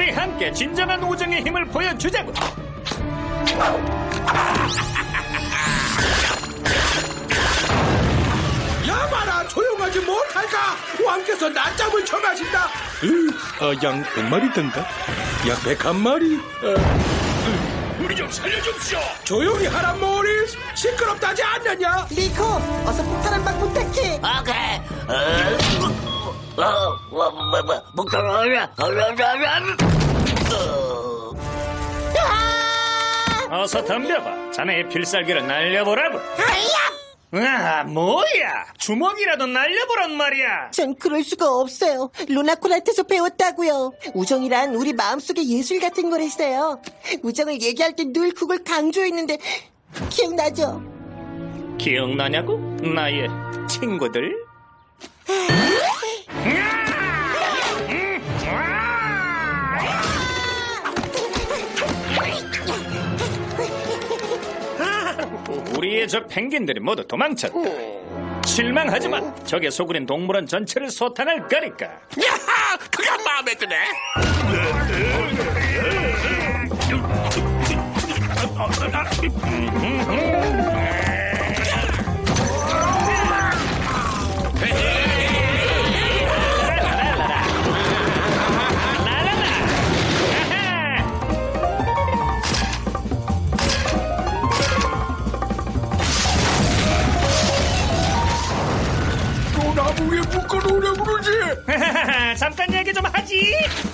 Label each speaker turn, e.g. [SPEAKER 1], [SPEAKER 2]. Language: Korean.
[SPEAKER 1] 우리 함께 진정한 우정의 힘을 보여주자고.
[SPEAKER 2] 야마라 조용하지 못할까? 왕께서 낮잠을 청하신다. 양 100마리던가? 약 101마리?
[SPEAKER 1] 우리 좀 살려줍시오.
[SPEAKER 2] 조용히 하라 모리스. 시끄럽다지 않느냐?
[SPEAKER 3] 리코, 어서 폭탄 한 방 부탁해.
[SPEAKER 4] 오케이.
[SPEAKER 1] 어서 덤벼봐. 자네의 필살기를 날려보라고.
[SPEAKER 3] 아야!
[SPEAKER 1] 아, 뭐야? 주먹이라도 날려보란 말이야.
[SPEAKER 3] 전 그럴 수가 없어요. 루나콜한테서 배웠다고요. 우정이란 우리 마음속의 예술 같은 거랬어요. 우정을 얘기할 때 늘 그걸 강조했는데 기억나죠?
[SPEAKER 1] 기억나냐고? 나의 친구들? 우리의 저 펭귄들이 모두 도망쳤다. 실망하지만 적의 소굴인 동물원 전체를 소탕할 거니까.
[SPEAKER 2] 야하! 그가 마음에 드네. 또 나무에 묶어놓으려 그러지?
[SPEAKER 1] 잠깐 얘기 좀 하지.